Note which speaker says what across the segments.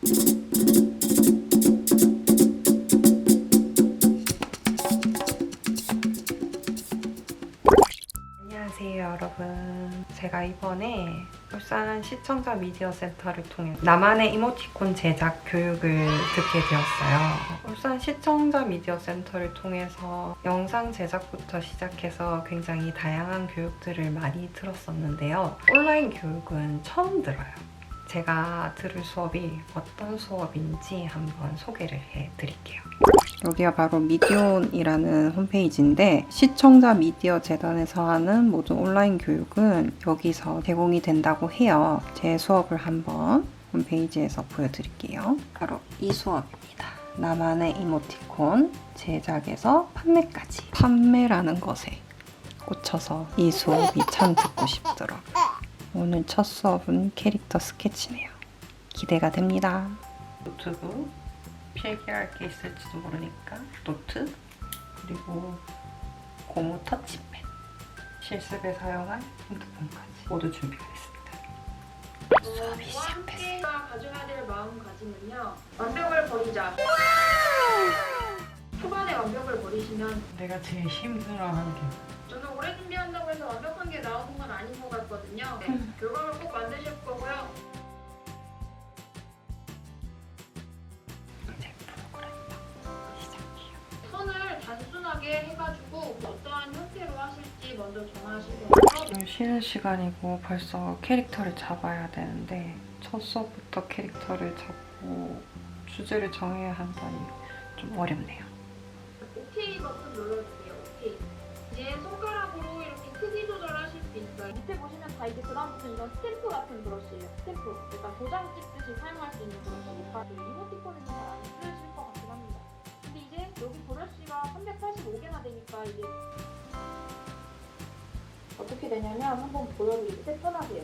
Speaker 1: 안녕하세요 여러분. 제가 이번에 울산 시청자 미디어 센터를 통해 나만의 이모티콘 제작 교육을 듣게 되었어요. 울산 시청자 미디어 센터를 통해서 영상 제작부터 시작해서 굉장히 다양한 교육들을 많이 들었었는데요. 온라인 교육은 처음 들어요. 제가 들을 수업이 어떤 수업인지 한번 소개를 해드릴게요. 여기가 바로 미디온이라는 홈페이지인데 시청자 미디어 재단에서 하는 모든 온라인 교육은 여기서 제공이 된다고 해요. 제 수업을 한번 홈페이지에서 보여드릴게요. 바로 이 수업입니다. 나만의 이모티콘 제작에서 판매까지. 판매라는 것에 꽂혀서 이 수업이 참 듣고 싶더라고요. 오늘 첫 수업은 캐릭터 스케치네요. 기대가 됩니다. 노트북 필기할 게 있을지도 모르니까 노트 그리고 고무 터치펜 실습에 사용할 핸드폰까지 모두 준비가 됐습니다. 수업이 시작됐어요.
Speaker 2: 가져야 될 마음가짐은요. 완벽을 버리자. 초반에 완벽을 버리시면
Speaker 1: 내가 제일 힘들어하는 게
Speaker 2: 저는 오래 준비한다고 해서 완벽한 게 나오는 건 아닌 것 같거든요. 결과물 꼭 만드실 거고요.
Speaker 1: 이제 프로그램 시작해요.
Speaker 2: 선을 단순하게 해가지고 어떠한 형태로 하실지 먼저 정하시고
Speaker 1: 좀 쉬는 시간이고 벌써 캐릭터를 잡아야 되는데 첫 수업부터 캐릭터를 잡고 주제를 정해야 한다니 좀 어렵네요.
Speaker 2: OK 버튼 눌러주세요. OK. 이제 손가락으로 이렇게 크기 조절하실 수 있어요. 밑에 보시면 다 이제 그다음부터 이런 스탬프 같은 브러쉬예요. 스탬프. 일단 도장 찍듯이 사용할 수 있는 브러쉬니까 이모티콘에는 잘 안 쓰실 것 같긴 합니다. 근데 이제 여기 브러쉬가 385개나 되니까 이제 어떻게 되냐면 한번 보여드릴게요. 세분하세요.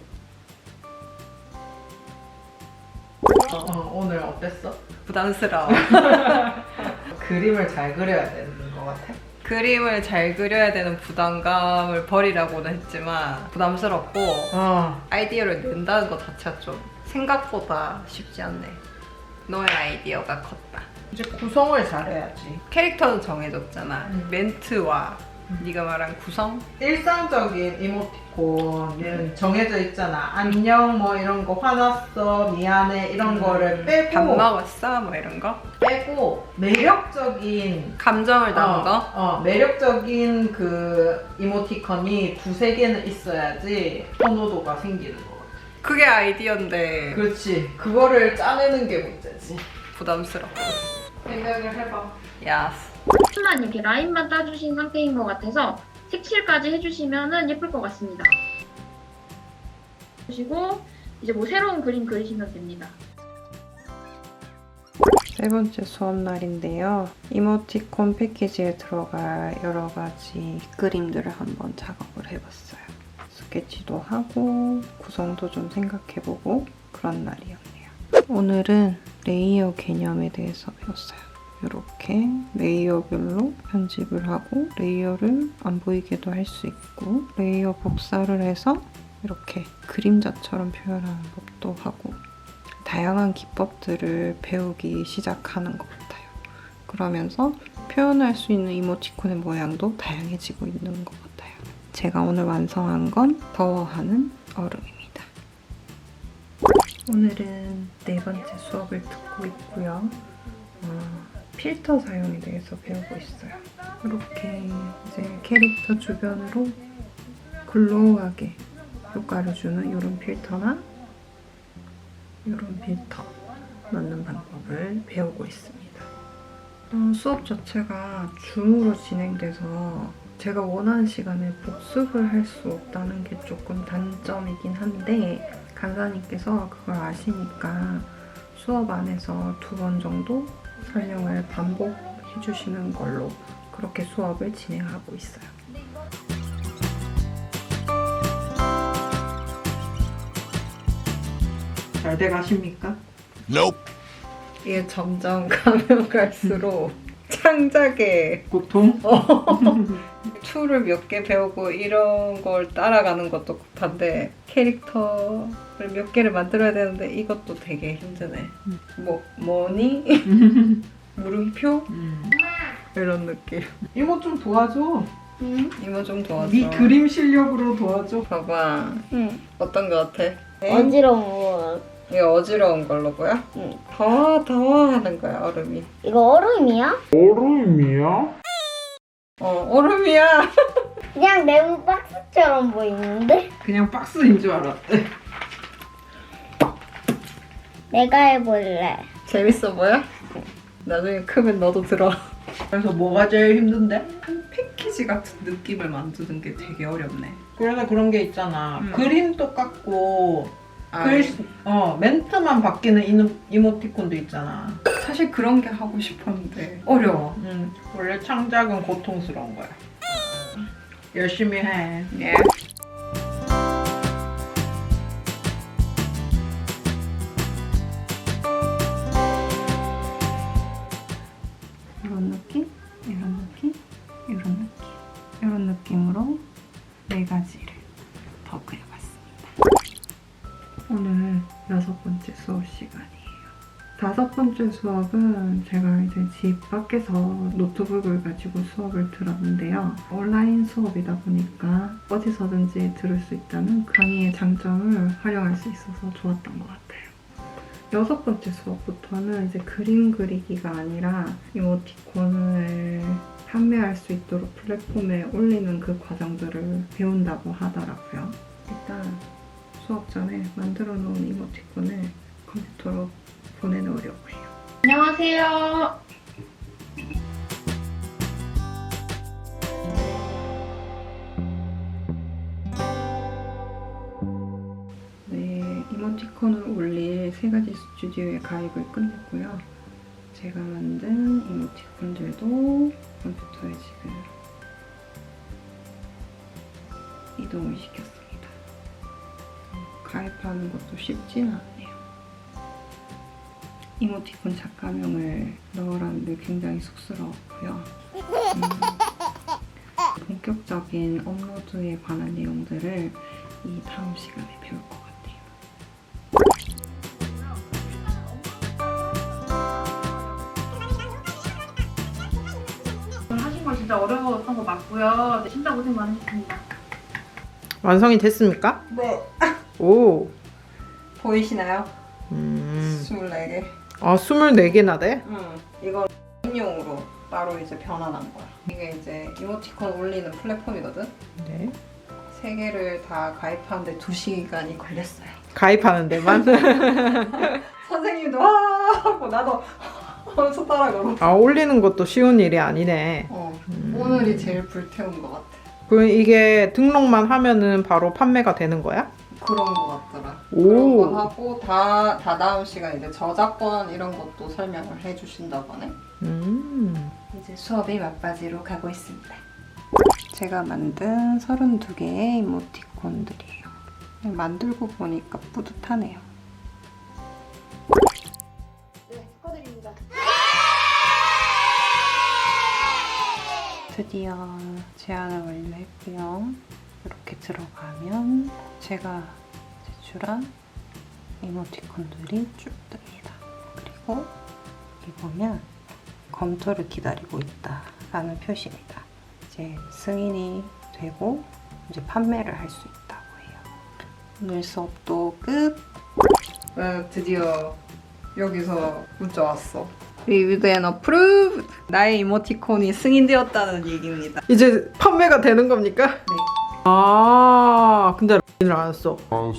Speaker 3: 오늘 어땠어?
Speaker 1: 부담스러워.
Speaker 3: 그림을 잘 그려야 되는 것 같아?
Speaker 1: 그림을 잘 그려야 되는 부담감을 버리라고는 했지만 부담스럽고 아이디어를 낸다는 것 자체가 좀 생각보다 쉽지 않네. 너의 아이디어가 컸다.
Speaker 3: 이제 구성을 잘해야지.
Speaker 1: 캐릭터는 정해졌잖아. 멘트와 네가 말한 구성?
Speaker 3: 일상적인 이모티콘은 정해져 있잖아. 안녕 뭐 이런 거, 화났어, 미안해 이런 거를 빼고
Speaker 1: 밥 먹었어? 뭐 이런 거?
Speaker 3: 빼고 매력적인
Speaker 1: 감정을 담은 거?
Speaker 3: 매력적인 그 이모티콘이 두세 개는 있어야지 선호도가 생기는 거 같아.
Speaker 1: 그게 아이디어인데
Speaker 3: 그렇지. 그거를 짜내는 게 문제지.
Speaker 1: 부담스러워.
Speaker 3: 생각을 해봐.
Speaker 1: 야스.
Speaker 2: 만 이렇게 라인만 따주신 상태인 것 같아서 색칠까지 해주시면 예쁠 것 같습니다. 그리고 이제 뭐 새로운 그림 그리시면 됩니다.
Speaker 1: 세 번째 수업 날인데요. 이모티콘 패키지에 들어갈 여러 가지 그림들을 한번 작업을 해봤어요. 스케치도 하고 구성도 좀 생각해보고 그런 날이었네요. 오늘은 레이어 개념에 대해서 배웠어요. 이렇게 레이어별로 편집을 하고 레이어를 안 보이게도 할 수 있고 레이어 복사를 해서 이렇게 그림자처럼 표현하는 법도 하고 다양한 기법들을 배우기 시작하는 것 같아요. 그러면서 표현할 수 있는 이모티콘의 모양도 다양해지고 있는 것 같아요. 제가 오늘 완성한 건 더워하는 얼음입니다. 오늘은 네 번째 수업을 듣고 있고요. 필터 사용에 대해서 배우고 있어요. 이렇게 이제 캐릭터 주변으로 글로우하게 효과를 주는 이런 필터나 이런 필터 넣는 방법을 배우고 있습니다. 수업 자체가 줌으로 진행돼서 제가 원하는 시간에 복습을 할 수 없다는 게 조금 단점이긴 한데 강사님께서 그걸 아시니까 수업 안에서 2번 정도 설명을 반복해 주시는 걸로 그렇게 수업을 진행하고 있어요.
Speaker 3: 잘 돼 가십니까?
Speaker 1: 이게 점점 가면 갈수록 창작에
Speaker 3: 고통?
Speaker 1: 툴을 몇 개 배우고 이런 걸 따라가는 것도 급한데 캐릭터를 몇 개를 만들어야 되는데 이것도 되게 힘드네. 뭐니? 물음표? 이런 느낌.
Speaker 3: 이모 좀 도와줘.
Speaker 1: 이모 좀 도와줘.
Speaker 3: 네 그림 실력으로 도와줘.
Speaker 1: 봐봐.
Speaker 4: 응.
Speaker 1: 어떤 거 같아?
Speaker 4: 어지러운 거.
Speaker 1: 이거 어지러운 걸로 보여?
Speaker 4: 응.
Speaker 1: 더워 하는 거야 얼음이.
Speaker 4: 이거 얼음이야?
Speaker 1: 얼음이야.
Speaker 4: 그냥 네모 박스처럼 보이는데?
Speaker 3: 그냥 박스인 줄 알았대.
Speaker 4: 내가 해볼래.
Speaker 1: 재밌어 보여? 나중에 크면 너도 들어.
Speaker 3: 그래서 뭐가 제일 힘든데?
Speaker 1: 패키지 같은 느낌을 만드는 게 되게 어렵네.
Speaker 3: 그래서 그런 게 있잖아. 그림 똑같고
Speaker 1: 아,
Speaker 3: 멘트만 바뀌는 이모티콘도 있잖아.
Speaker 1: 사실 그런 게 하고 싶었는데 어려워.
Speaker 3: 원래 창작은 고통스러운 거야. 열심히 해.
Speaker 1: 예. 이런 느낌, 이런 느낌, 이런 느낌, 이런 느낌으로 4가지를 더 그려봤습니다. 오늘 6번째 수업 시간이에요. 5번째 수업은 제가 이제 집 밖에서 노트북을 가지고 수업을 들었는데요. 온라인 수업이다 보니까 어디서든지 들을 수 있다는 강의의 장점을 활용할 수 있어서 좋았던 것 같아요. 6번째 수업부터는 이제 그림 그리기가 아니라 이모티콘을 판매할 수 있도록 플랫폼에 올리는 그 과정들을 배운다고 하더라고요. 일단 수업 전에 만들어 놓은 이모티콘을 컴퓨터로 보내놓으려고 해요.
Speaker 2: 안녕하세요.
Speaker 1: 네, 이모티콘을 올릴 3가지 스튜디오에 가입을 끝냈고요. 제가 만든 이모티콘들도 컴퓨터에 지금 이동을 시켰습니다. 가입하는 것도 쉽진 않네요. 이모티콘 작가명을 넣으라는데 굉장히 쑥스러웠고요. 본격적인 업로드에 관한 내용들을 이 다음 시간에 배울 것 같아요.
Speaker 2: 하신 거 진짜 어려웠던 거 맞고요. 진짜 고생 많으셨습니다.
Speaker 3: 완성이 됐습니까?
Speaker 1: 네.
Speaker 3: 오.
Speaker 1: 보이시나요? 24개.
Speaker 3: 아, 24개나 돼?
Speaker 1: 이건 인용으로 따로 이제 변환한 거야. 이게 이제 이모티콘 올리는 플랫폼이거든?
Speaker 3: 네.
Speaker 1: 3개를 다 가입하는데 2시간이 걸렸어요.
Speaker 3: 가입하는 데만?
Speaker 1: 선생님도 와 하고 나도 하면서 따라 걸어.
Speaker 3: 아, 올리는 것도 쉬운 일이 아니네.
Speaker 1: 오늘이 제일 불태운 것 같아.
Speaker 3: 그럼 이게 등록만 하면은 바로 판매가 되는 거야?
Speaker 1: 그런 것 같더라.
Speaker 3: 오.
Speaker 1: 그런 거 하고 다 다음 시간에 이제 저작권 이런 것도 설명을 해주신다고 하네. 이제 수업이 막바지로 가고 있습니다. 제가 만든 32개의 이모티콘들이에요. 만들고 보니까 뿌듯하네요.
Speaker 2: 네, 축하드립니다.
Speaker 1: 드디어 제안을 완료했고요. 이렇게 들어가면 제가 제출한 이모티콘들이 쭉 뜹니다. 그리고 여기 보면 검토를 기다리고 있다 라는 표시입니다. 이제 승인이 되고 이제 판매를 할 수 있다고 해요. 오늘 수업도 끝! 드디어 여기서 문자 왔어. Reviewed and approved! 나의 이모티콘이 승인되었다는 얘기입니다.
Speaker 3: 이제 판매가 되는 겁니까?
Speaker 1: 네.
Speaker 3: 아, 근데 를 안 했어.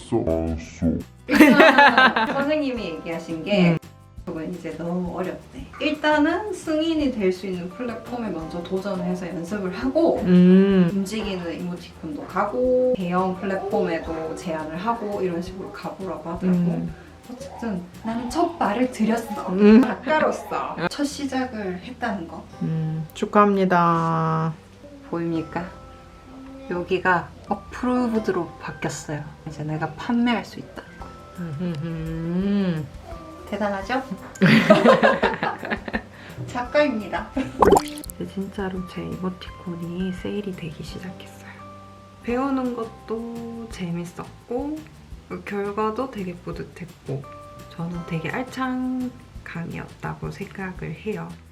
Speaker 1: 일단 선생님이 얘기하신 게 그건 이제 너무 어렵대. 일단은 승인이 될 수 있는 플랫폼에 먼저 도전해서 연습을 하고 움직이는 이모티콘도 가고 대형 플랫폼에도 제안을 하고 이런 식으로 가보라고 하더라고. 어쨌든 나는 첫 발을 들였어. 작가로서 첫 시작을 했다는 거.
Speaker 3: 축하합니다.
Speaker 1: 보입니까? 여기가 어프로브드로 바뀌었어요. 이제 내가 판매할 수 있다는 거. 대단하죠?
Speaker 5: 작가입니다.
Speaker 1: 근데 진짜로 제 이모티콘이 세일이 되기 시작했어요. 배우는 것도 재밌었고 결과도 되게 뿌듯했고 저는 되게 알찬 강의였다고 생각을 해요.